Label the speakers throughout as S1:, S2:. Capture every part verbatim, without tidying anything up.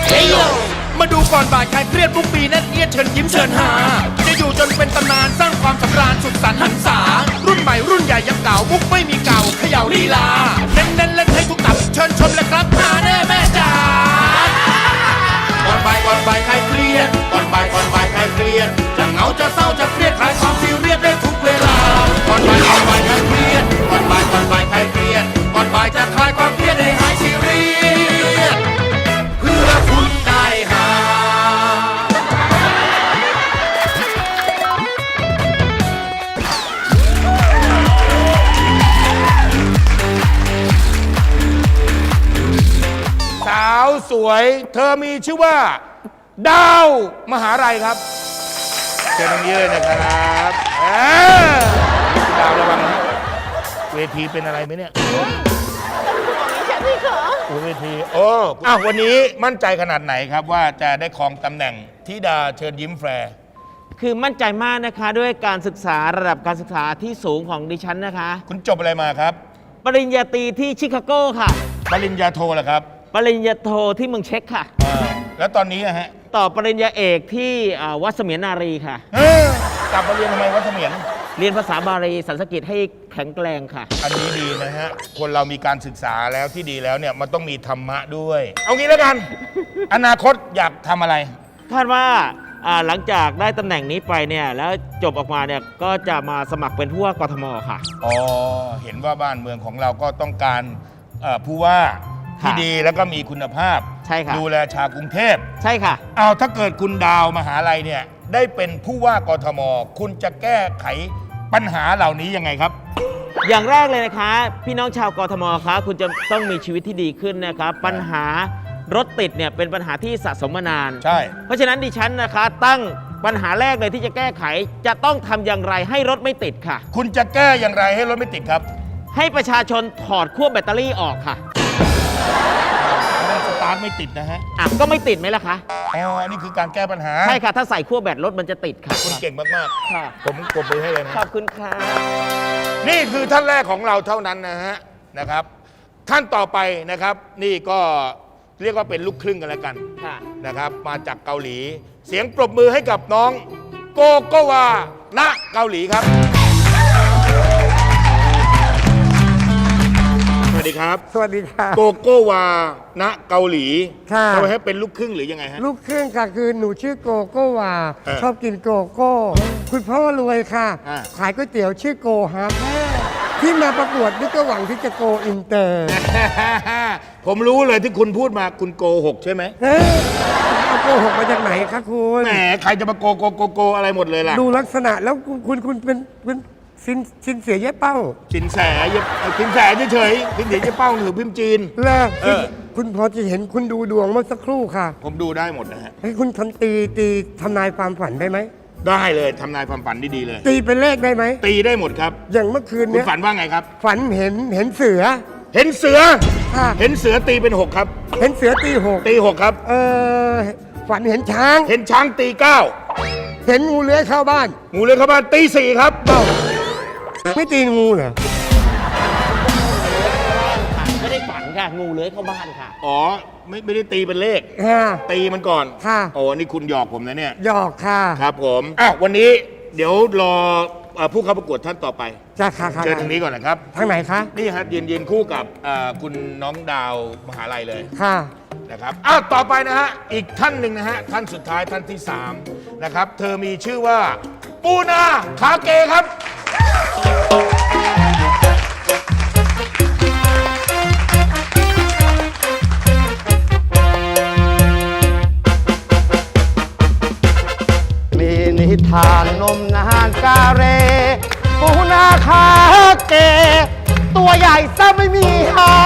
S1: มาดูก่อนบ่ายใครเครียดทุกปีนั่นเอียดเชิญยิ้มเชิญหาจะอยู่จนเป็นตำนานสร้างความสำราญสุขสันต์หันษารุ่นใหม่รุ่นใหญ่ยังเก่ามุกไม่มีเก่าเขย่าลีลาเน้นเน้นเล่นให้ทุกตับเชิญชมเลยครับหาแน่แม่จ๋าก่อนบ่ายก่อนบ่ายใครเครียดก่อนบ่ายก่อนบ่ายใครเครียดจะเหงาจะเศร้าจะเครียดคลายความซีเรียสได้ทุกเวลาก่อนบ่ายก่อนบ่ายใครเครียดก่อนบ่ายก่อนบ่ายใครเครียดก่อนบ่ายจะคลายความเครียดให้หายซีเรียสเพื่อคุณได้หาสาวสวยเธอมีชื่อว่าดาวมหาลัยครับเชิญตรงนี้เลยนะครับดาวระวังนะเวทีเป็นอะไรไหมเนี่ยเวทีโอ้อ้าววันนี้มั่นใจขนาดไหนครับว่าจะได้ครองตำแหน่งธิดาเชิญยิ้มแฟร์
S2: คือมั่นใจมากนะคะด้วยการศึกษาระดับการศึกษาที่สูงของดิฉันนะคะ
S1: คุณจบอะไรมาครับ
S2: ปริญญาตรีที่ชิคาโกค่ะ
S1: ปริญญาโทเหรอครับ
S2: ปริญญาโทที่เมืองเช็กค่ะ
S1: แล้วตอนนี้ฮะ
S2: ต่อปริญญาเอกที่วัดเสมียนนารีค่ะ
S1: กลับมาเรียนทำไมวัดเสมียน
S2: เรียนภาษาบาลีสันสกฤตให้แข็งแกร่งค่ะ
S1: อันนี้ดีนะฮะคนเรามีการศึกษาแล้วที่ดีแล้วเนี่ยมันต้องมีธรรมะด้วยเอางี้แล้วกัน อนาคตอยากทำอะไร
S2: คาดว่าหลังจากได้ตำแหน่งนี้ไปเนี่ยแล้วจบออกมาเนี่ยก็จะมาสมัครเป็นผู้ว่ากทมค่ะ
S1: อ๋อเห็นว่าบ้านเมืองของเราก็ต้องการผู้ว่าที่ดีแล้วก็มีคุณภาพ
S2: ใช่ค่ะ
S1: ดูแลชาวกรุงเทพ
S2: ใช่ค่ะ
S1: เอาถ้าเกิดคุณดาวมหาลัยเนี่ยได้เป็นผู้ว่ากทมคุณจะแก้ไขปัญหาเหล่านี้ยังไงครับ
S2: อย่างแรกเลยนะคะพี่น้องชาวกทมคะคุณจะต้องมีชีวิตที่ดีขึ้นนะครับปัญหารถติดเนี่ยเป็นปัญหาที่สะสมมานาน
S1: ใช่
S2: เพราะฉะนั้นดิฉันนะคะตั้งปัญหาแรกเลยที่จะแก้ไขจะต้องทำอย่างไรให้รถไม่ติดค่ะ
S1: คุณจะแก้อย่างไรให้รถไม่ติดครับ
S2: ให้ประชาชนถอดขั้วแบตเตอรี่ออกค่ะ
S1: มันสตาร์ทไม่ติดนะฮะ
S2: อ่ะก็ไม่ติดไหมล่ะคะ
S1: อ๋ออันนี้คือการแก้ปัญหา
S2: ใช่ค่ะถ้าใส่ขั้วแบตรถมันจะติดค่ะ
S1: คุณเก่งมาก
S2: ๆค่ะ
S1: ผมกดมือให้เลยนะ
S2: ขอบคุณค่ะ
S1: นี่คือท่านแรกของเราเท่านั้นนะฮะนะครับท่านต่อไปนะครับนี่ก็เรียกว่าเป็นลูกครึ่งกันแล้วกันนะครับมาจากเกาหลีเสียงปรบมือให้กับน้องโกโกวาณเกาหลีครับสวัสดีครับ
S3: สวัสดีค่ะ
S1: โกโกวาณเกาหลี
S3: ค่ะ
S1: ทำไมให้เป็นลูกครึ่งหรือยังไงฮะ
S3: ลูกครึ่งค่ะคือหนูชื่อโกโกวาชอบกินโกโก้คุณพ่อรวยค่ะขายก๋วยเตี๋ยวชื่อโกฮาร์ที่มาประกวดนี่ก็หวังที่จะโกอินเตอร์
S1: ผมรู้เลยที่คุณพูดมาคุณโกหกใช่ไหม
S3: เอาโกหกมาจากไหนคะคุณ
S1: แหมใครจะมาโกโกโกโกอะไรหมดเลยล่ะ
S3: ดูลักษณะแล้วคุณคุณเป็นเป็นสินสินเสียเย้เป้า
S1: สินแสสินแสเฉยๆสินเสียเย้เป้าหรือพิมพ์จีน
S3: เลิกคุณพอจะเห็นคุณดูดวงเมื่อสักครู่ค่ะ
S1: ผมดูได้หมดนะฮะ
S3: ให้คุณทำตีตีทำนายความฝันได้ไหม
S1: ได้เลยทำนายความฝันดีๆเลย
S3: ตีเป็นเลขได้ไหม
S1: ตีได้หมดครับ
S3: อย่างเมื่อคืนนี้
S1: คุณฝันว่าไงครับ
S3: ฝันเห็นเห็นเสือ
S1: เห็นเสือเห็นเสือตีเป็นหกครับ
S3: เห็นเสือตีหก
S1: ตีหกครับ
S3: เออฝันเห็นช้าง
S1: เห็นช้างตีเก้า
S3: เห็นงูเลื้อยเข้าบ้าน
S1: งูเลื้อยเข้าบ้านตีสี่ครับ
S3: เอ้าไม่ตีงูเหรอ
S2: ไม่ได้ฝันค่ะงูเลื้อยเข้าบ้านค่ะ
S1: อ๋อไม่ไม่ได้ตีเป็นเลขตีมันก่อน
S3: ค่ะ
S1: โอ้นี่คุณหยอกผมนะเนี่ย
S3: หยอกค่ะ
S1: ครับผมอ่ะวันนี้เดี๋ยวรอผู้เข้าประกวดท่านต่อไป
S3: จ้าค่ะ
S1: เชิญทางนี้ก่อนนะครับ
S3: ทางไหนคะ
S1: นี่ครับยืนยืนคู่กับคุณน้องดาวมหาลัยเลย
S3: ค่ะ
S1: นะครับอ้าวต่อไปนะฮะอีกท่านหนึ่งนะฮะท่านสุดท้ายท่านที่สามนะครับเธอมีชื่อว่าปูนาคาเกครับ
S4: มีนิทานนมนานกาเรปูนาคาเกตัวใหญ่ซะไม่มีหา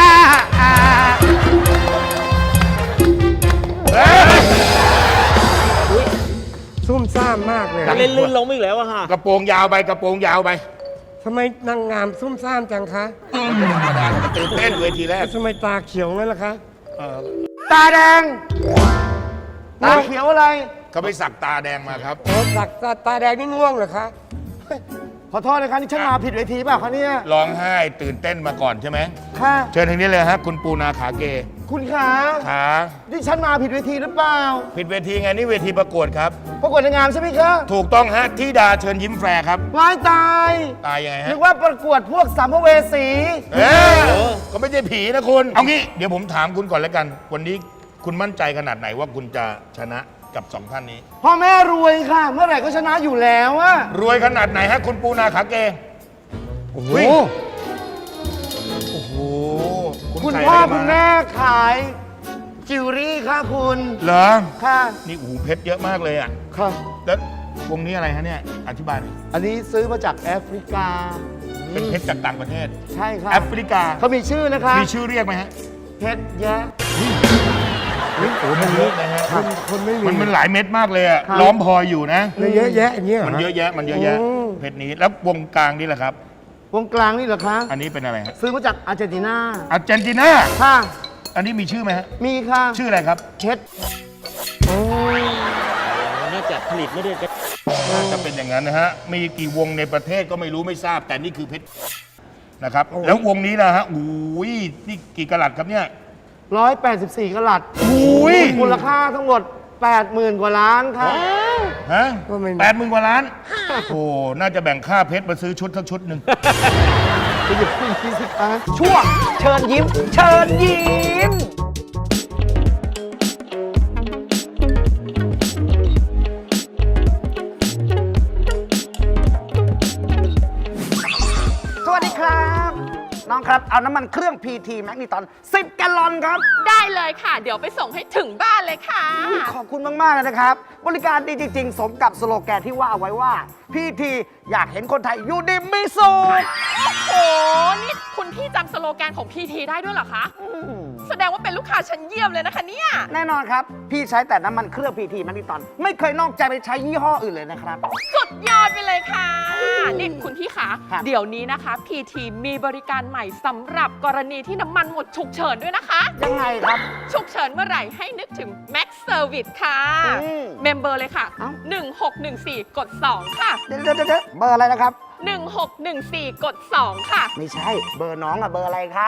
S3: ซุ่มซ่ามมากเลย
S2: เล่นลื่นลงอีกแล้วอะค่ะ
S1: กระโปรงยาวไปกระโปรงยาวไป
S3: ทำไมนางงามซุ่มซ่ามจังคะ
S1: ธรรมดาตื่นเต้นเวทีแรก
S3: ทำไมตาเขียวงั้นล่ะคะ
S4: ตาแดงตาเขียวอะไร
S1: เขาไปสักตาแดงมาครับ
S3: โอ้สักตาตาแดงนี่ง่วงเหรอคะ
S4: ขอโทษนะครับนี่ฉันมาผิดเวทีเปล่าคะเนี่ย
S1: ร้องไห้ตื่นเต้นมาก่อนใช่ไหม
S4: ค่ะ
S1: เชิญทางนี้เลยฮะคุณปูนาขาเก
S4: คุณขา
S1: ขา
S4: ที่ฉันมาผิดเวทีหรือเปล่า
S1: ผิดเวทีไงนี่เวทีประกวดครับ
S4: ประกวดนางงามใช่ไหมคะ
S1: ถูกต้องฮะที่ดาเชิญยิ้มแฟร์ครับ
S4: ว้ายตาย
S1: ตายยังไงฮะ
S4: นึกว่าประกวดพวกสัมภเวสี
S1: เออก็ไม่ใช่ผีนะคุณ เอางี้เดี๋ยวผมถามคุณก่อนแล้วกัน วันนี้คุณมั่นใจขนาดไหนว่าคุณจะชนะกับสองท่านนี้
S4: พ่อแม่รวยค่ะ เมื่อไหร่ก็ชนะอยู่แล้วอะ
S1: รวยขนาดไหนฮะคุณปูนาขาเก
S4: โอ้โห
S1: โอ้โห
S4: คุณ
S1: ใส่
S4: พ่อ
S1: อะไรา
S4: คุณแม่ขายจิวเวลรี่ค่ะคุณ
S1: เหรอ
S4: ค่ะ
S1: นี่โอ้โหเพชรเยอะมากเลยอ่ะ
S4: ค่ะ
S1: แล้ววงนี้อะไรฮะเนี่ย อธิบายหน่อย
S4: อันนี้ซื้อมาจากแอฟริกา
S1: เป็นเพชรจากต่างประเทศ
S4: ใช่ค่ะ
S1: แอฟริกา
S4: เขามีชื่อนะคะ
S1: มีชื่อเรียกไหมฮะ
S4: เพชรแยะ
S1: โอ้โหมันเยอะนะฮะ
S3: คนคนไม่มี
S1: มันมันหลายเม็ดมากเลยอะ
S4: ครับ
S1: ล้อมพลอยอยู่นะ
S3: เลยเยอะแยะอย่างเงี้ยหร
S1: มันเยอะแยะ มันเยอะแยะ
S3: โอ้
S1: เพชรนี้ แล้ววงกลางนี่แหละครับ
S4: วงกลางนี่เหรอคะ
S1: อันนี้เป็นอะไรฮะ
S4: ซื้อมาจากอาร์เจนตินา
S1: อาร์เจนตินา
S4: ค่ะ
S1: อันนี้มีชื่อไหมฮะ
S4: มีค่ะ
S1: ชื่ออะไรครับ
S4: เพชร
S2: น่าจะผลิตไม่ได้กัน
S1: น่าจะเป็นอย่างนั้นนะฮะ มีกี่วงในประเทศก็ไม่รู้ไม่ทราบ แต่นี่คือเพชรนะครับ แล้ววงนี้นะฮะอุ้ยนี่กี่กะลัดครับเนี่ย
S4: ร้อยแปดสิบสี่กะลัด
S1: อุ้ย
S4: มูลค่าทั้งหมด แปดหมื่น กว่าล้านค่ะ
S1: ฮะ
S3: ก็ไม่
S1: แปดหมื่นกว่าล้าน โอ้ น่าจะแบ่งค่าเพชรมาซื้อชุดทั้งชุดหนึ่ง
S4: ไปหยิบขึ้นยี่สิบล้านช่วงเชิญยิ้ม เชิญยิ้ม สวัสดีครับ น้องครับ เอาน้ำมันเครื่อง พี ที แมกนิตอนสิบแกลลอนครับ
S5: ได้เลยค่ะ เดี๋ยวไปส่งให้ถึงบ้านเลยค่ะ
S4: ขอบคุณมาก ๆ เลยนะครับ บริการดีจริง ๆ สมกับสโลแกนที่ว่าเอาไว้ว่า พี ที อยากเห็นคนไทยอยู่ดีมีสุข
S5: โอ้นี่คุณพี่จำสโลแกนของพีทีได้ด้วยเหรอคะ แสดงว่าเป็นลูกค้าชั้นเยี่ยมเลยนะคะเนี่ย
S4: แน่นอนครับ พี่ใช้แต่น้ำมันเครื่อง พี ที แมกนิตอนไม่เคยนอกใจไปใช้ยี่ห้ออื่นเลยนะครับ
S5: สุดยอดไปเลยค่ะ นี่คุณพี่คะ
S4: ครับ
S5: เดี๋ยวนี้นะคะ พีที มีบริการใหม่สำหรับกรณีที่น้ำมันหมดฉุกเฉินด้วยนะคะ
S4: ยังไงครับ
S5: ฉุกเฉินเมื่อไหร่ให้นึกถึง Max Service ค่ะ
S4: อืม
S5: เมมเบอร์เลยค่ะ
S4: เอ้า
S5: หนึ่งหกหนึ่งสี่ กด สอง ค่ะ
S4: เดี๋ยวเดี๋ยวเดี๋ยวเบอร์อะไรนะครับ
S5: หนึ่งหกหนึ่งสี่ กด สอง ค่ะ
S4: ไม่ใช่ เบอร์น้องอะเบอร์อะไรครับ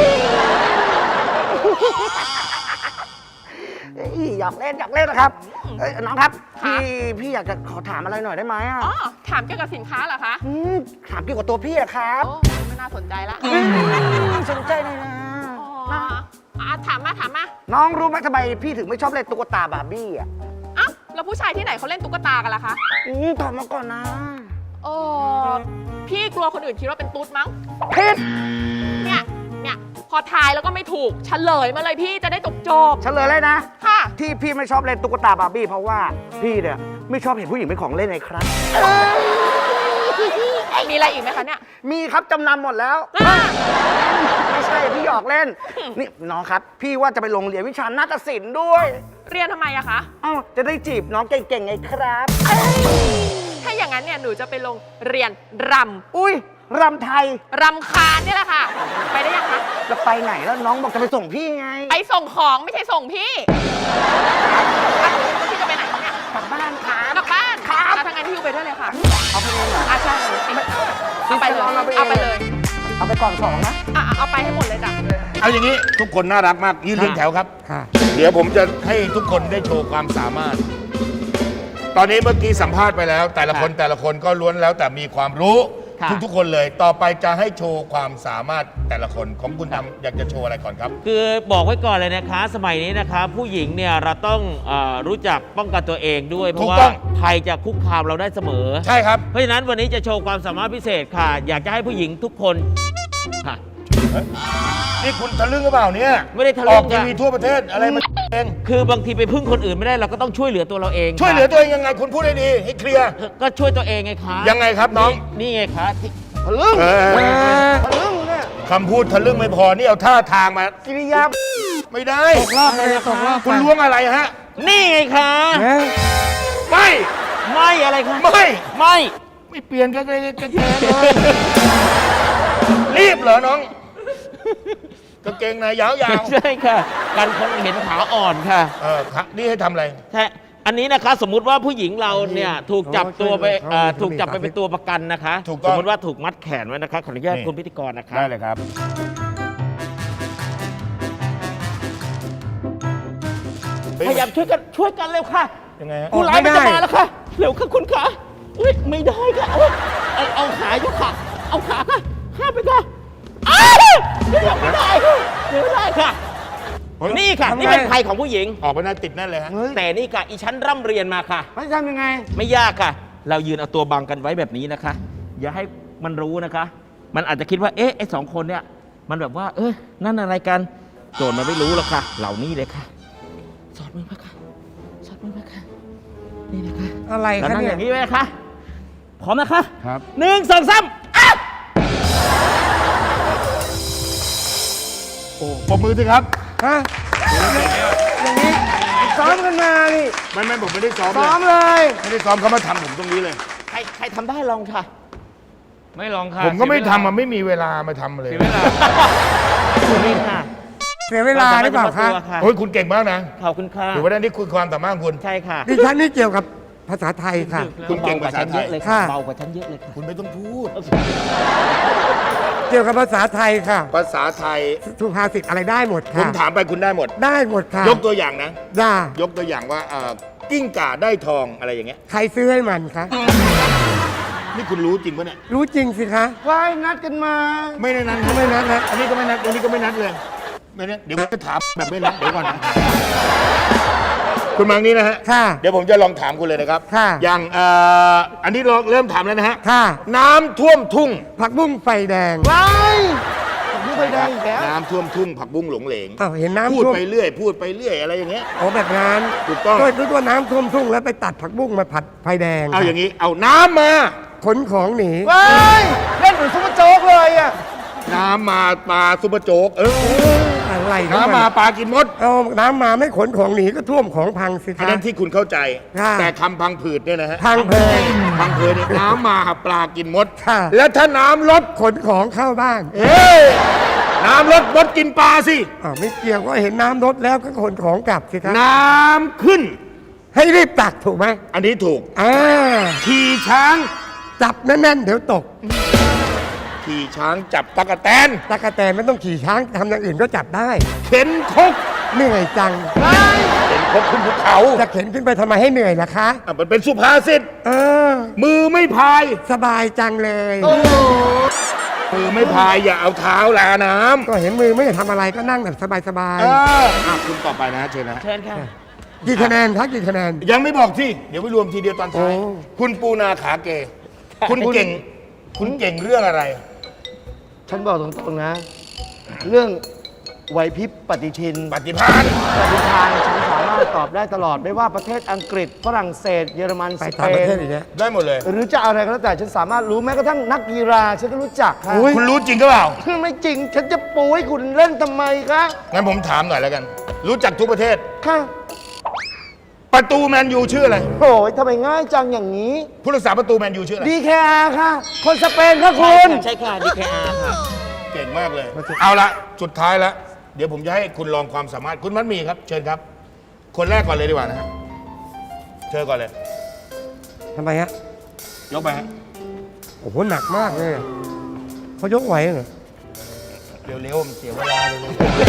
S4: เอ้ยอยากเล่นอยากเล่นนะครับเอ้ยน้องครับ
S5: ค่ะ
S4: พี่พี่อยากจะขอถามอะไรหน่อยได้ไหมอะ
S5: อ๋อ ถามเกี่ยวกับสินค้าเหรอคะ
S4: มถามเกี่ยวกับตัวพี่อะครับ
S5: โอ้ไม่น่าสนใจละ
S4: อืมสนใจเลยนะ
S5: อ๋ออ่ะถามมาถามมา
S4: น้องรู้ไหมทำไมพี่ถึงไม่ชอบเล่นตุ๊กตาบาร์บี้อะ
S5: อ้าวแล้วผู้ชายที่ไหนเขาเล่นตุ๊กตากันล่ะคะ
S4: อืมตอบมาก่อนนะ
S5: โอ้พี่กลัวคนอื่นคิดว่าเป็นตุ๊ดมั้ง
S4: ผิด
S5: เนี่ย เนี่ย พอทายแล้วก็ไม่ถูกเฉลยมาเลยพี่จะได้จบจบ
S4: เฉลยเลยนะ
S5: ๆค่ะ
S4: ที่พี่ไม่ชอบเล่นตุ๊กตาบาร์บี้เพราะว่าพี่เนี่ยไม่ชอบเห็นผู้หญิงเป็นของเล่นไงครับ
S5: มีอะไรอีกไหมคะเนี่ย
S4: มีครับจำนำหมดแล้ว
S5: อ่ะ
S4: ไม่ใช่พี่หยอกเล่น นี่น้องครับ พี่ว่าจะไปโรงเรียนวิชานาฏศิลป์ด้วย
S5: เรียนทำไมอะคะ
S4: เอ้าจะได้จีบน้องเก่งๆไงครับ
S5: ถ้าอย่างนั้นเนี่ยหนูจะไปลงเรียนร
S4: อุ้ยรำไทย
S5: ำรำคาญเนี่ยแหละค่ะ ไปได้ยังคะ
S4: จะไปไหนแล้วน้องบอกจะไปส่งพี่ไง
S5: ไปส่งของไม่ใช่ส่งพี่อ่ะพี่จะไปไหนคะเนี่ย
S4: กลับบ้านครับ
S5: กลับบ้าน
S4: ครับ
S5: แล้วทางนั้นพี่ไปด้วยเลยค่ะ
S4: เอาไปเลยเหรอ
S5: อ่ะใช่เลยเอาไปเลย
S4: เอาไปเอง
S5: เอาไปเลย
S4: เอาไปก่อนสองนะ
S5: อ่ะเอาไปให้หมดเลยจ้ะ
S1: เอาอย่างนี้ทุกคนน่ารักมากยืนเรียงแถวครับ
S3: ค่ะ
S1: เดี๋ยวผมจะให้ทุกคนได้โชว์ความสามารถ ตอนนี้เมื่อกี้สัมภาษณ์ไปแล้ว แต่ละคนแต่ละคนก็ล้วนแล้วแต่มีความรู้
S2: ค่ะ
S1: ทุกๆคนเลย ต่อไปจะให้โชว์ความสามารถแต่ละคนของคุณทำอยากจะโชว์อะไรก่อนครับ
S2: คือบอกไว้ก่อนเลยนะคะ สมัยนี้นะคะ ผู้หญิงเนี่ยเราต้องเออรู้จักป้องกันตัวเองด้วย เพ
S1: ถู
S2: ราะ
S1: ก
S2: ว่า
S1: ต้อง
S2: ภัยจะคุกคามเราได้เสมอ
S1: ใช่ครับ
S2: เพราะฉะนั้นวันนี้จะโชว์ความสามารถพิเศษค่ะ อยากจะให้ผู้หญิงทุกคนค่ะ
S1: นี่คุณทะลึ่งหรือเปล่าเนี่ย
S2: ไม่ได้ทะลึ่ง
S1: ออกทีวีทั่วประเทศอะไรมันเอง
S2: คือบางทีไปพึ่งคนอื่นไม่ได้เราก็ต้องช่วยเหลือตัวเราเอง
S1: ช่วยเหลือ
S2: ค่ะ
S1: ตัวเองยังไงคุณพูดให้ดีให้เคลียร์
S2: ก็ช่วยตัวเองไงคะ
S1: ยังไงครับน้อง
S2: นี่ไงคะที่
S4: ทะลึ่ง
S1: เออ
S4: ทะลึ่งเนี่ย
S1: คำพูดทะลึ่งไม่พอนี่เอาท่าทางมา
S4: กิริยา
S1: ไม่ได้
S3: ตกรอบไปเลยตกรอบ
S1: คุณล้วงอะไรฮะ
S2: นี่ไงคะ
S3: เอ๊ะ
S1: ไม่
S2: ไม่อะไรคะ
S1: ไม่
S2: ไม่
S1: ไม่เปลี่ยนกันเลยกันแกเลยรีบเหรอน้องกางเกงในยาว
S2: ใช่ค่ะ กันคนเห็นขาอ่อนค่ะ
S1: ๆเออครับนี่ให้ทำอะไร
S2: ใช่อันนี้นะคะสมมุติว่าผู้หญิงเราเนี่ยถูกจับตัวไป
S3: เขา
S2: เอ่อ
S3: เขา
S2: ถูกจับไป
S3: เขามี
S2: เป็นตัวประกันนะคะ
S1: ถูกต้อง
S2: สมมติว่าถูกมัดแขนไว้นะคะขออนุญาต
S1: นี่
S2: คุณพิธีกรนะคะ
S1: ได้เลยครับ
S2: พยายามช่วยกันช่วยกันเร็วค่ะ
S1: ยังไงฮะ
S2: ผู้ร้ายมันจะมาแล้วค่ะเร็วค่ะคุณขาอุ้ยไม่ได้ค่ะอุ๊ยเอาเอาขายกค่ะ เอาขาค่ะข้ามไปค่ะอ้าวเดี๋ยวไม่ได้ค่ะเดี๋ยวไม่ได้ค่ะ นี่ค่ะ
S3: ทำไง
S2: นี่เป็นภัยของผู้หญิง
S1: ออกไปหน้าติดนั่นเลยฮะ
S2: แต่นี่ค่ะอีชั้นร่ำเรียนมาค่ะ
S4: ไม่ทำยังไง
S2: ไม่ยากค่ะ เรายืนเอาตัวบังกันไว้แบบนี้นะคะ อย่าให้มันรู้นะคะ มันอาจจะคิดว่า เอ๊ะ ไอ้สองคนเนี่ย มันแบบว่า เอ้ย นั่นอะไรกัน โจรมันไม่รู้หรอกค่ะ เหล่านี้เลยค่ะ สอดมือมาค่ะ สอดมือมาค่ะ นี่นะคะ
S3: อะไร
S2: แล้ว
S3: คะ
S2: นั่ง
S3: เนี่
S2: อย ย่างนี้ไว้นะคะ พร้อมนะคะ
S1: ครับ
S2: หนึ่งสองสามอ่ะ
S1: โอ้ปรบมือสิครับ
S3: ฮะอย่างนี้ซ้อมกันมานี่
S1: ไม่ไม่ผมไม่ได้ซ้อมเล
S3: ซ้
S1: ย
S3: อมเลย
S1: ไม่ได้ซ้อมเขามาทำผมตรงนี้เลย
S2: ใครใครทำได้ลองค่ะ
S6: ไม่ลองค่ะ
S1: ผมก็ไม่
S6: เสียเวลา
S1: ทำมันไม่มีเวลามาทำเลย
S6: เสียเวลา
S2: นี่ค่ะ
S3: เสียเวลาหรือเปล่าคะ
S2: ตัวค่ะ
S1: โอ้ยคุณเก่งมากนะ
S2: ขอบคุณค่ะ
S1: ถือว่าได้นี่คือความสามารถของคุณ
S2: ใช่ค่ะ
S3: ดิฉันนี่เกี่ยวกับภาษาไทยค่ะ
S1: คุณเก่งภาษาไทย
S2: เบกว่าฉันเยอะเลยค่ะ
S3: ค่ะ
S2: เบากว่าฉันเยอะเลยค่ะ
S1: คุณไม่ต้องพูด
S3: เกี่ยวกับภาษาไทยค่ะ
S1: ภาษาไทย
S3: สุภาษิตอะไรได้หมด
S1: ผม
S3: ค่ะ
S1: ถามไปคุณได้หมด
S3: ได้หมดค่ะ
S1: ยกตัวอย่างนะ
S3: ด่าย
S1: กตัวอย่างว่าเอ่อกิ้งก่าได้ทองอะไรอย่างเงี้ย
S3: ใครซื้อให้มันคะ
S1: นี่คุณรู้จริงปะเนี่ย
S3: รู้จริงสิคะ
S4: ว่ายนัดกันมา
S1: ไม่ได้นัด
S3: ทำไมนัดนะ
S1: อันนี้ก็ไม่นัดอันนี้ก็ไม่นัดเลยไม่นัดเดี๋ยวผมจะถามแบบไม่นัดเดี๋ยวก่อนนะคุณมังนี่นะฮะ
S3: ค่ะ
S1: เดี๋ยวผมจะลองถามคุณเลยนะครับ
S3: ค่ะ
S1: อย่างเอ่ออันนี้เราเริ่มถามแล้วนะฮะ
S3: ค่ะ
S1: น้ำท่วมทุ่ง
S3: ผักบุ้งไฟแดง
S4: ว้ายผมไม่เคยได้อีกแล้ว
S1: น้ำท่วมทุ่งผักบุ้งหลงเหลง
S3: อ้าวเห็นน้ำ
S1: พูด
S3: ท่วม
S1: ไปเรื่อย พูดไปเรื่อยอะไรอย่างเงี้ย
S3: โอ้แบบนั้น
S1: ถูกต้อง
S3: ก็นึกว่าน้ำท่วมทุ่งแล้วไปตัดผักบุ้งมาผัดไฟแดง
S1: เอาอย่างนี้ เอาน้ำมา
S3: ขนของหนี
S4: ว้ายเล่นเหมือนซุปเปอร์โจ๊กเลยอ่ะ
S1: น้ำมาปลาซุปเปอร์โจ๊กเออ
S3: อะไร
S1: น้ำมาปลากินมด
S3: เอาน้ำมาไม่ขนของหนีก็ท่วมของพังสิ
S1: อัน
S3: คะ
S1: นั้นที่คุณเข้าใจ
S3: ค่ะ
S1: แต่คำพังผืดเนี่ยนะฮะ
S3: พังเพย
S1: พังผืดเนี่ยน้ำมาปลากินมด
S3: ค่ะ
S1: แล้วถ้าน้ำลด
S3: ขนของเข้าบ้าน
S1: เอ้ยน้ำลดมดกินปลาสิ
S3: อ้าวไม่เกี่ยวก็เห็นน้ำลดแล้วก็ขนของกลับสิคะ
S1: น้ำขึ้น
S3: ให้รีบตักถูกไหม
S1: อันนี้ถูก
S3: อ่า
S1: ขี่ช้าง
S3: จับแน่นๆเดี๋ยวตก
S1: ขี่ช้างจับตะกะแตน
S3: ตะกะแตนไม่ต้องขี่ช้างทำอย่างอื่นก็จับได้
S1: เข็นคก
S3: เหนื่อยจัง
S1: เข็นคกขึ้นภูเขา
S3: จะเข็นขึ้นไปทำไมให้เหนื่อยล่ะคะ
S1: อ่ะมันเป็นสุภาษิต
S3: เออ
S1: มือไม่พาย
S3: สบายจังเลย
S1: มือไม่พายอย่าเอาเท้าลาน้ำ
S3: ก็เห็นมือไม่ได้ทำอะไรก็นั่งแบบสบาย
S1: เอออ่ะคุณต่อไปนะเชิญนะ
S2: เชิญค่ะ
S3: ๆกี่คะแนนคะกี่คะแนน
S1: ยังไม่บอกที่เดี๋ยวไปรวมทีเดียวตอนท้าย
S3: โอ้
S1: คุณปูนาขาเก คุณเก่ง คุณเก่งเรื่องอะไร
S4: ฉันบอกตรงๆนะ เรื่องไหวพริบปฏิทิน
S1: ปฏิภาณ
S4: ปฏิทานฉันสามารถตอบได้ตลอดไม่ว่าประเทศอังกฤษฝรั่งเศส เยอรมัน
S3: ไป
S4: สเป
S3: ต่างประ
S4: น
S3: เทศอีกแล้ว
S1: ได้หมดเลย
S4: หรือจะอะไรก็แล้วแต่ฉันสามารถรู้แม้กระทั่งนักกีฬาฉันก็รู้จักค่ะ
S1: คุณรู้จริงก็เปล่า
S4: ไม่จริง ฉันจะปูให้คุณเล่นทำไมคะ
S1: งั้นผมถามหน่อยแล้วกัน รู้จักทุกประเทศ
S4: ค่ะ
S1: ประตูแมนยูชื่ออะไร
S4: โอ้ยทำไมง่ายจังอย่างนี้
S1: ผู้รักษาประตูแมนยูชื่ออะไร
S4: ดีแคร์ค่ะ คนสเปนค่ะคุณ
S2: ใช่ค่ะ ดี เค อาร์ ค่ะ
S1: เก่งมากเลย เอาละสุดท้ายแล้ว เดี๋ยวผมจะให้คุณลองความสามารถ คุณมัดหมีครับ เชิญครับ คนแรกก่อนเลยดีกว่านะฮะเชิญก่อนเลย
S3: ทำไมฮะ
S1: ยกไปฮะ
S3: โอ้โหหนักมากเลยเขายกไหวเหรอ
S1: เร็วๆมันเสียเวลาเลย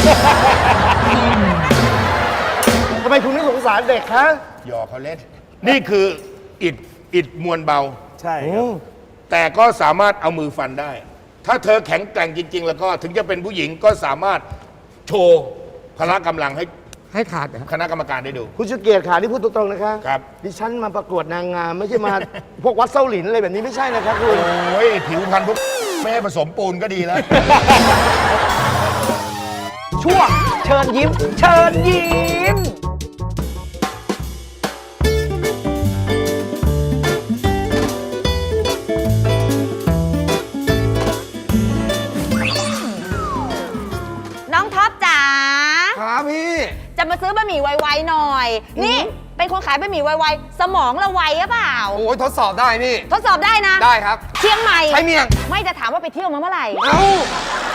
S4: ทำไมคุณไม่สงสารเด็กคะ
S1: หยอกเขาเล่น นี่คืออิดอิดมวลเบา
S4: ใช่
S3: โอ้
S1: แต่ก็สามารถเอามือฟันได้ ถ้าเธอแข็งแกร่งจริง ๆ แล้วก็ถึงจะเป็นผู้หญิงก็สามารถโชว์พละกำลังให้
S3: ให้ขาดเหรอ
S1: คณะกรรมการได้ดู
S4: คุณชุดเกียรติขาที่พูดตรงๆนะคะ
S1: ครับ
S4: ดิฉันมาประกวดนางงาม ไม่ใช่มา พวกวัดเส้าหลินอะไรแบบนี้ไม่ใช่นะครับคุณ
S1: โอ้ยผิวพรรณพวกไม่ให้ผสมปูนก็ดีแล้ว
S4: ช่วงเชิญยิ้ม เชิญยิ้ม
S7: น้องท็อปจ๋า
S4: ครับพี่
S7: จะมาซื้อบะหมี่ไวๆหน่อย นี่เป็นคนขายบะหมี่ไวๆสมองเราไวหรือเปล่า
S8: โอ้ยทดสอบได้นี่
S7: ทดสอบได้นะ
S8: ได้ครับ
S7: เชียงใหม่
S8: ใช้เมียง
S7: ไม่จะถามว่าไปเที่ยวมาเมื่อไหร่
S8: เอ้าโอ้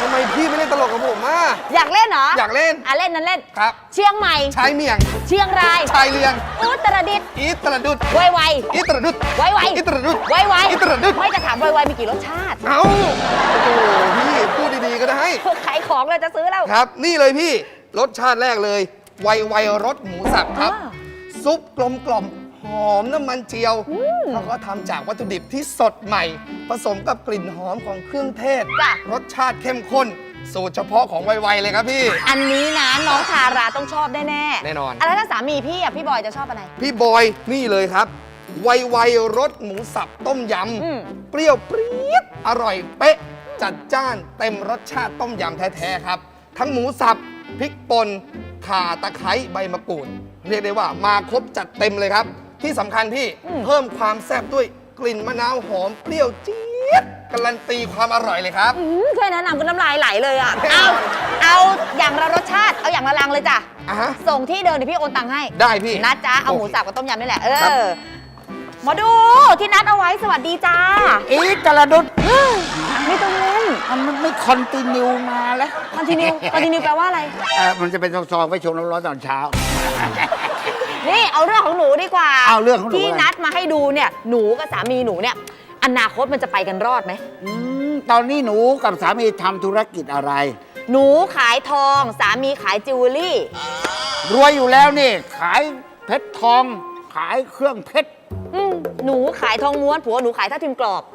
S4: ทำไมพี่ไม่เล่นตลกกับผมอ่ะ
S7: อยากเล่นเหรอ
S4: อยากเล่น
S7: อ่ะเล่นนั้นเล่น
S4: ครับ
S7: เชียงใหม่
S4: ชายเมียง
S7: เชียงราย
S4: ชายเลียง
S7: อุตรดิตถ์
S4: อีตรดุด
S7: ไวไว
S4: อีตรดุด
S7: ไวไว
S4: อีตรดุด
S7: ไวไว
S4: อีตรดุด
S7: ไม่จะถามไวไวมีกี่รสชาติ
S4: เอ้าโอ้โหพี่พูดดีๆก็ได้
S7: ขายของเลยจะซื้อแล้ว
S4: ครับ นี่เลยพี่รสชาติแรกเลย ไวไวรสหมูสับครับ
S7: อ่า
S4: ซุปกลมกล่อมหอมน้ำมันเจียวแล้วก็ทำจากวัตถุดิบที่สดใหม่ ผสมกับกลิ่นหอมของเครื่องเทศ
S7: จ้ะ
S4: รสชาติเข้มข้น สูตรเฉพาะของไวไวเลยครับพี่
S7: อันนี้นะน้องทาราต้องชอบแน่แน่ๆ
S4: แน่นอน
S7: ะแล้วถ้าสามีพี่อ่ะพี่บอยจะชอบอะไร
S4: พี่บอยนี่เลยครับ ไวไวรสหมูสับต้มย
S7: อืม
S4: ำ เปรี้ยวปรี๊ดอร่อยเป๊ะ จัดจ้านเต็มรสชาติต้มยำแท้ๆครับ ทั้งหมูสับพริกป่นข่าตะไคร้ใบมะกรูด เรียกได้ว่ามาครบจัดเต็มเลยครับ ที่สำคัญพี่เพิ่มความแซ่บด้วยกลิ่นมะนาวหอมเปรี้ยวจี๊ดการันตีความอร่อยเลยครับ
S7: อืมแค่แนะนำก็น้ำลายไหลเลยอ่ะ
S4: แน่น
S7: เอา
S4: อน
S7: เอาอย่างละรสชาติ เอาอย่างละลังเลยจ้ะ
S4: อ่ะฮะ
S7: ส่งที่เดิมเดี๋ยวพี่โอนตังค์ให้
S4: ได้พี่
S7: นัดจ้าเอาหมู
S4: โอเค
S7: สับกับต้มยำนี่แหละ เอ
S4: ครับ
S7: อหมอดูที่นัดเอาไว้สวัสดีจ้า
S8: อีกระดุด
S7: ไม่ต้องเล่น
S8: มันไม่คอนติเนียมาแล้ว
S7: คอนติเนียคอนติเนียแปลว่าอะไร
S8: เออมันจะเป็นซองๆไว้ชงร้อนๆตอนเช้า
S7: นี่เอาเรื่องของหนูดีกว่า
S8: เอาเรื่องของหนู
S7: ที่
S8: อะไร
S7: นัดมาให้ดูเนี่ยหนูกับสามีหนูเนี่ยอนาคตมันจะไปกันรอดไหม
S8: อืมตอนนี้หนูกับสามีทำธุรกิจอะไร
S7: หนูขายทองสามีขายจิวเวลรี่
S8: รวยอยู่แล้วนี่ ขายเพชรทอง ขายเครื่องเพชร
S7: อืมหนูขายทองม้วนผัวหนูขายทับทิมกรอบ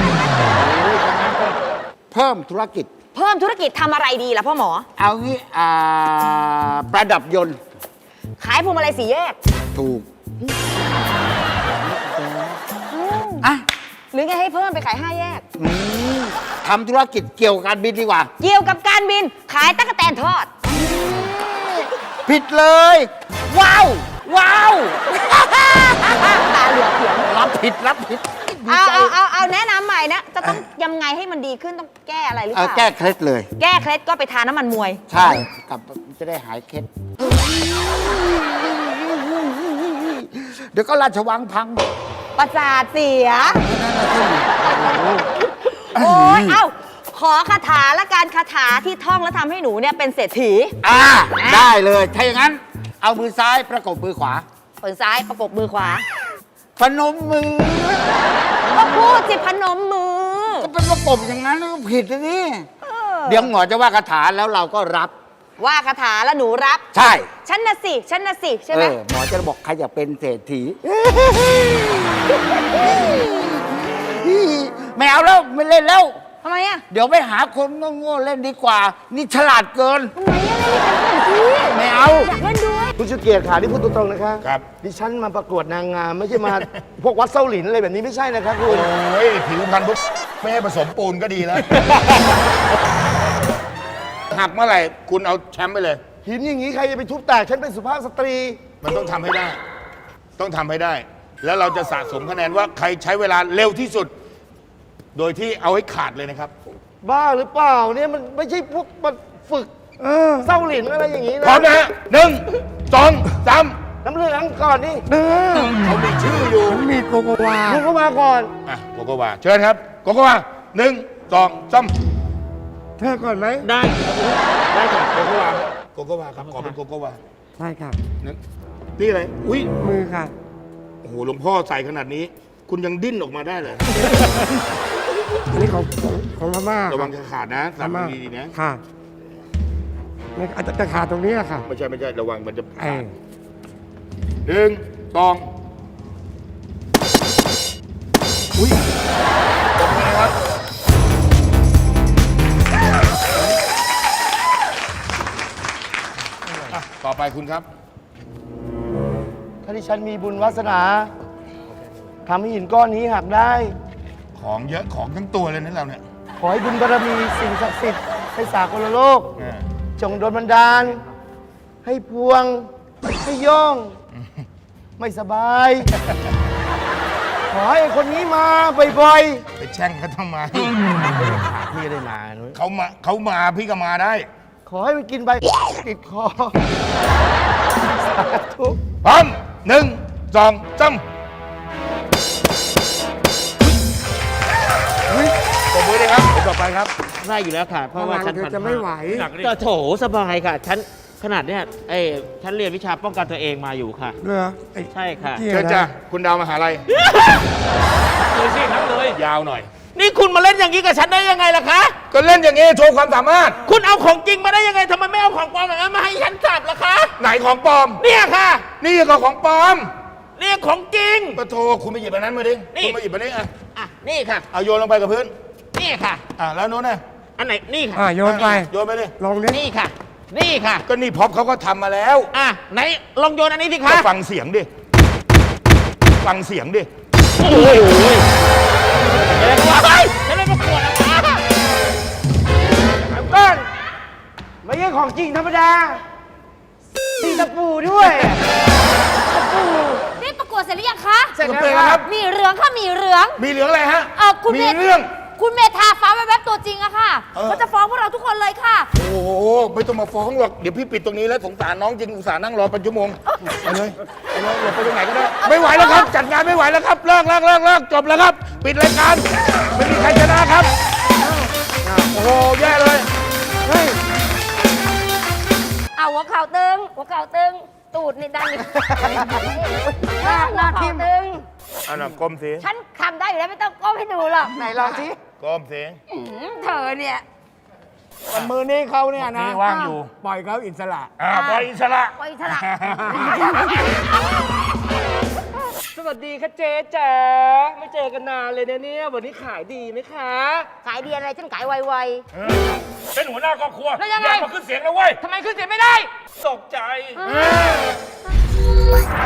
S8: เพิ่มธุรกิจ
S7: เพิ่มธุรกิจทำอะไรดีล่ะพ่อหมอ
S8: เอางี้อ่าประดับยนต์
S7: ขายพวงมาลัยสีแยก
S8: ถูกอ่ะ
S7: หรือไงให้เพิ่มไปขายห้าแยก
S8: อืมทำธุรกิจเกี่ยวกับการบินดีกว่า
S7: เกี่ยวกับการบินขายตั๊กแตนทอด
S8: ผิดเลย ว้าว ว้าว
S7: ตาเหลือกเขียง
S8: รับผิดรับผิดดี
S7: เอา
S8: ใจ
S7: เอาเอาเอาแนะนำใหม่นะ จะต้องยังไงให้มันดีขึ้นต้องแก้อะไรหรือ
S8: เอ
S7: เป
S8: อ
S7: ล่า
S8: แก้เคล็ดเลย
S7: แก้เคล็ดก็ไปทาน้ำมันมวย
S8: ใช่กลับจะได้หายเคล็ด เดี๋ยวก็ราชวังพัง
S7: ประสาทเสีย โอ้ยเอ้า ขอคาถาละการคาถาที่ท่องแล้วทำให้หนูเนี่ยเป็นเศรษฐี
S8: อ่า ได้เลย ถ้าอย่างนั้น เอามือซ้ายประกบมือขวา
S7: มือซ้ายประกบมือขวา
S8: พนมมือ
S7: ก็พูดสิพนมมือ
S8: ก็เป็นประกบอย่างนั้นก็ผิดนะนี่
S7: เออ
S8: เดี๋ยวหมอจะว่าคาถาแล้วเราก็รับ
S7: ว่าคาถาแล้วหนูรับ
S8: ใช่
S7: ฉันน่ะสิ ฉันน่ะสิ ใช่
S8: เอ
S7: ไหม
S8: อ หมอจะบอกใครอยากเป็นเศรษฐี ไม่เอาแล้ว ไม่เล่นแล้ว
S7: ทำไมอ่ะ
S8: เดี๋ยวไปหาคนโง่ๆเล่นดีกว่า นี่ฉลาดเกิน
S7: ทำไมอ่ะเล่นเป็นเศรษฐี
S8: ไม่เอา
S7: อยากเล่นด้วย
S4: คุณชูเกียรติขาที่พูดตรงๆนะคะ
S1: ครับ
S4: ดิฉันมาประกวดนางงาม ไม่ใช่มา พวกวัดเส้าหลินอะไรแบบนี้ไม่ใช่นะครับคุณ
S1: โอ้ยผิวพรรณปุ๊บไม่ให้ผสมปูนก็ดีแล้ว หักเมื่อไหร่ คุณเอาแชมป์ไปเลย
S4: หินอย่างนี้ใครจะไปทุบแตกฉันเป็นสุภาพสตรี
S1: มันต้องทำให้ได้ ต้องทำให้ได้ แล้วเราจะสะสมคะแนนว่าใครใช้เวลาเร็วที่สุด โดยที่เอาให้ขาดเลยนะครับ
S4: บ้าหรือเปล่าเนี่ยมันไม่ใช่พวกมันฝึก
S3: เออ
S4: เส้าหลินอะไรอย่างนี้
S1: พร้อ
S4: นะ
S1: มนะฮะหนึ่งสองสาม
S4: น้ำเหลืองก่อนนี่
S3: เออ
S1: เขามีชื่ออยู่
S3: มันมีโกโกวา
S4: ลุกเข้ามาก่อน
S1: อ่ะโกโกวาเชิญครับ โกโกวาหนึ่งสองสาม
S3: เธอก่อนไหม
S1: ได้ได้ครับโกโกวาโกโกวาครับขอเป็นโกโกวา
S3: ใช่ค่ะ
S1: หนึ่งนี่อะไรอุ้ย
S3: มือค่ะ
S1: โอ้โหหลวงพ่อใส่ขนาดนี้ คุณยังดิ้นออกมาได้เลย
S3: อันนี้ของของของพม่า
S1: ระวังจะขาดนะ
S3: พ
S1: สับ
S3: ม่า
S1: ดีๆนะ
S3: ค่ะนี่อาจจะขาดตรงนี้แหละค่ะ
S1: ไม่ใช่ไม่ใช่ระวังมันจะ
S3: ไอ้
S1: ขาดหนึ่งสองอุ้ยตบมือนะครับอ่ะต่อไปคุณครับ
S4: ถ้าที่ฉันมีบุญวาสนาทำให้หินก้อนนี้หักได้
S1: ของเยอะของทั้งตัวเลยนะเราเนี่ย
S4: ขอให้บุญบารมีสิ่งศักดิ์สิทธิ์ให้สากลโลก
S1: อ่า
S4: จงโดนบันดาล ให้พวง ให้โย่อง ไม่สบาย ขอให้คนนี้มาบ่อย
S1: ไปแช่งเขาทำไม
S4: ๆพี่ได้มานุ้ย
S1: เขามาเขามาพี่ก็มาได้
S4: ขอให้มันกินใบติดคอ สาธุ
S1: พร้อมหนึ่งสองสามปรบมือเลยครับต่อไปครับ
S2: ได้อยู่แล้วค่ะ เพราะว่าฉัน
S3: เธอ
S2: พัน
S3: จะไม่ไหว
S6: หนักดิ
S2: ก็โถสบายค่ะ ฉันขนาดเนี้ยเอ้ยฉันเรียนวิชาป้องกันตัวเองมาอยู่ค่ะ
S3: เหรอไอ้
S2: ใช่ค่ะ
S3: เจี๊ย
S4: เชิญ
S3: นะ
S4: จ้ะคุณดาวมหาลัย
S6: เลยสินับเลย
S4: ยาวหน่อย
S2: นี่คุณมาเล่นอย่างนี้กับฉันได้ยังไงล่ะคะ
S4: ก็เล่นอย่างนี้โชว์ความสามารถ
S2: คุณเอาของจริงมาได้ยังไงทำไมไม่เอาของปลอมอย่างนั้นมาให้ฉันจับล่ะคะ
S4: ไหนของปลอม
S2: เนี่ยค่ะ
S4: นี่ก็ของปลอม
S2: เนี่ยของจริง
S4: ปะโทคุณไปหยิบอันนั้นมาดิ
S2: นี่
S4: คุณมาหยิบอันนี้อ่ะ
S2: อ่ะนี่ค่ะ
S4: เอาโยนลงไปกับพื้น
S2: นี่ค่ะ
S4: อ่ะแล้วโน้นน่ะ
S2: อันไหนนี่ค่ะ
S3: อ่ะโยนไป
S4: โยนไปดิ
S3: ลองดิ
S2: นี่ค่ะ นี่ค่ะ
S4: ก็นี่พ็อปเขาก็ทำมาแล้ว
S2: อ่ะไหนลองโยนอันนี้สิ
S4: ก็
S2: คะ
S4: ฟังเสียงดิ ฟังเสียงดิ
S2: โอ้โหเดี๋ยวก่อนฉันไม่ประกวดแล้วค่ะ
S8: ต้นไม่ใช่ของจริงธรรมดามีตะปูด้วย
S7: นี่ประกวดเสร็จหรือยังคะ
S8: เสร็จแล้ว
S4: เสร็จแล้วครับ
S7: มีเหลืองค่ะมีเหลือง
S4: มีเหลืองอะไรฮะ
S7: เออคุณ
S4: มี
S7: เมธ
S4: เรื่อง
S7: คุณเมธาฟ้าแวบๆตัวจริงอะค่ะ
S4: เออ
S7: เขาจะฟ้องพวกเราทุกคนเลยค่ะ
S4: โอ้โห ไม่ต้องมาฟ้องหรอก เดี๋ยวพี่ปิดตรงนี้แล้วสงสารน้องจริงอุตส่าห์นั่งรอเป็นชั่วโมงไปเลยไปเลยอย่าไปตรงไหนก็ได้ ไม่ไหวแล้วครับ จัดงานไม่ไหวแล้วครับ เลิกเลิกเลิกเลิกจบแล้วครับ ปิดรายการ ไม่มีใครชนะครับอ้าวโอ้โห แย่เลย
S7: เอาหัวเข่าตึง หัวเข่าตึง ตูดนี่ดันหน้าหน้าทิมตึง
S4: อันน่ะก้มสิ
S7: ฉันทำได้อยู่แล้วไม่ต้องก้มให้ดูหรอก
S8: ไหนลองสิ
S4: ก้มสิ
S7: อื้อหือเธอเนี่ย
S8: มือนี้เขาเนี่ยนะ
S4: นี่ว่างอยู่
S8: ปล่อยเขาอิสระ
S4: อ่าปล่อยอิสระ
S7: ปล่อยฉลาด
S9: สวัสดีค่ะเจ๊จ๋าไม่เจอกันนานเลยนะเนี่ย วันนี้ขายดีไหมคะ
S7: ขายดีอะไรฉันขายไว
S4: เป็นหัวหน้าครอบครัว
S9: แล้วยังไง
S4: อย่ามาขึ้นเสียงนะเว้ย
S9: ทำไมขึ้นเสียงไม่ได้ตกใจ
S7: ๆ